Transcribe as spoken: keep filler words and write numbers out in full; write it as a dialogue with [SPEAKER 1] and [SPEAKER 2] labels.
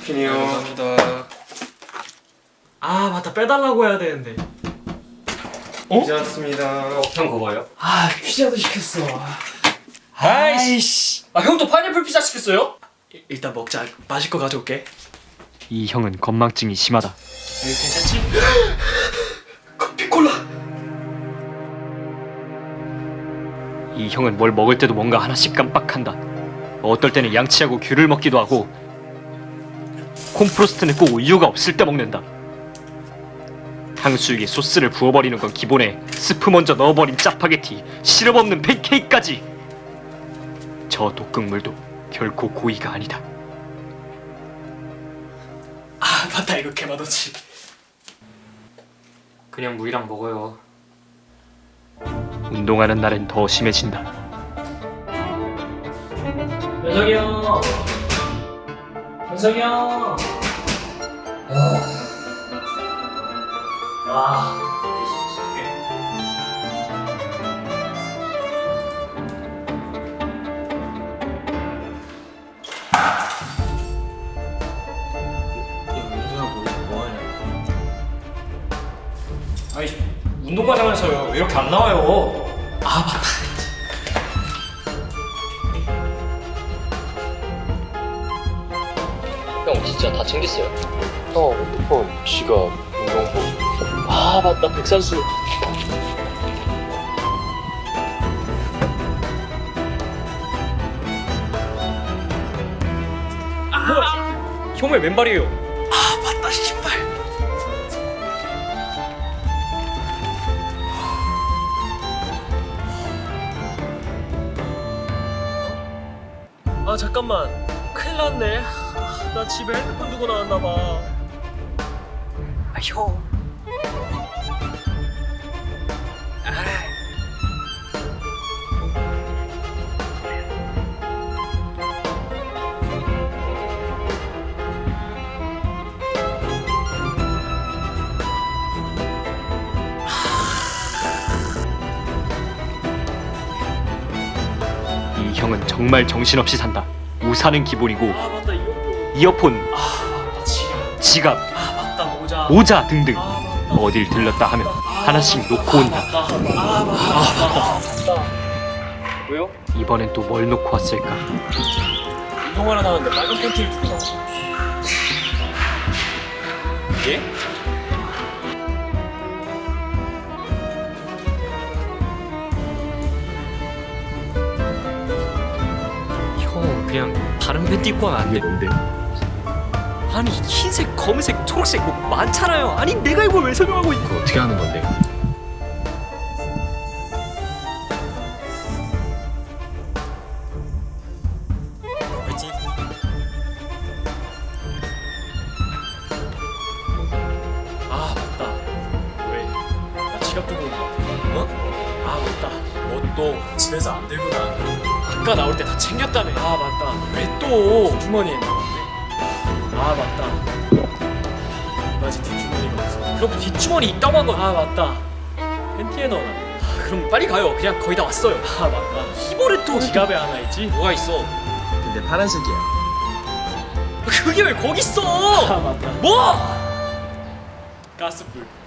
[SPEAKER 1] 치킨이요.
[SPEAKER 2] 네, 감사합니다.
[SPEAKER 3] 아 맞다, 빼달라고 해야 되는데.
[SPEAKER 1] 어? 피자 왔습니다.
[SPEAKER 2] 어, 형 그거 봐요?
[SPEAKER 3] 아 피자도 시켰어.
[SPEAKER 2] 아이씨. 아, 형 또 파인애플 피자 시켰어요?
[SPEAKER 3] 일- 일단 먹자. 마실 거 가져올게.
[SPEAKER 4] 이 형은 건망증이 심하다.
[SPEAKER 3] 여기 괜찮지? 커피 콜라.
[SPEAKER 4] 이 형은 뭘 먹을 때도 뭔가 하나씩 깜빡한다. 어떨 때는 양치하고 귤을 먹기도 하고 콘프로스트는 꼭 우유가 없을 때 먹는다. 탕수육에 소스를 부어버리는 건 기본에 스프 먼저 넣어버린 짜파게티, 시럽 없는 팬케이크까지. 저 독극물도 결코 고의가 아니다.
[SPEAKER 3] 아 맞다, 이거 개맛없지.
[SPEAKER 2] 그냥 물이랑 먹어요.
[SPEAKER 4] 운동하는 날엔 더 심해진다.
[SPEAKER 3] 현석이 형. 현석이 형. 와.
[SPEAKER 2] 아이, 운동 가자면서요. 왜 이렇게 안 나와요?
[SPEAKER 3] 아 맞다.
[SPEAKER 4] 형 진짜 다 챙겼어요. 형 핸드폰, 지갑, 운동복. 아 맞다, 백산수.
[SPEAKER 2] 형 왜 맨발이에요?
[SPEAKER 3] 아 맞다, 신발. 아 잠깐만, 큰일 났네. 아, 나 집에 핸드폰 두고 나왔나 봐. 아 형.
[SPEAKER 4] 이 형은 정말 정신없이 산다. 우산은 기본이고
[SPEAKER 3] 아 맞다, 이거.
[SPEAKER 4] 이어폰,
[SPEAKER 3] 아 맞다, 지갑.
[SPEAKER 4] 지갑,
[SPEAKER 3] 아 맞다, 모자.
[SPEAKER 4] 모자 등등
[SPEAKER 3] 아 맞다.
[SPEAKER 4] 어딜 들렀다 하면 하나씩 놓고 온다.
[SPEAKER 3] 아 맞다. 아 맞다. 맞다.
[SPEAKER 2] 왜요?
[SPEAKER 4] 이번엔 또 뭘 놓고 왔을까?
[SPEAKER 3] 운동하러 나왔는데 빨간 팬티를 입고 나왔어.
[SPEAKER 2] 예?
[SPEAKER 3] 형 그냥 다른 팬티 입고 하면 안 돼?
[SPEAKER 4] 뭔데?
[SPEAKER 3] 아니 흰색, 검은색, 초록색 뭐 많잖아요. 아니 내가 이걸 왜 설명하고 있고?
[SPEAKER 4] 어떻게 하는 건데?
[SPEAKER 3] 그렇지? 아 맞다. 왜? 나 지갑 두고 온 거 같아. 어? 아 맞다. 뭣도 집에서 안 들고 나왔는데 아까 나올 때 다 챙겼다며. 아 맞다. 왜 또 주머니에 넣었네? 아 맞다. 바지 뒷주머니가 없어. 그럼 뒷주머니 있다고 한 거. 아 맞다. 팬티에 넣어놨네. 아, 그럼 빨리 가요. 그냥 거의 다 왔어요. 아 맞다. 히보레 또 지갑에 하나 있지?
[SPEAKER 2] 뭐가 있어?
[SPEAKER 1] 근데 파란색이야.
[SPEAKER 3] 그게 왜 거기 있어? 아 맞다. 뭐? 가스불.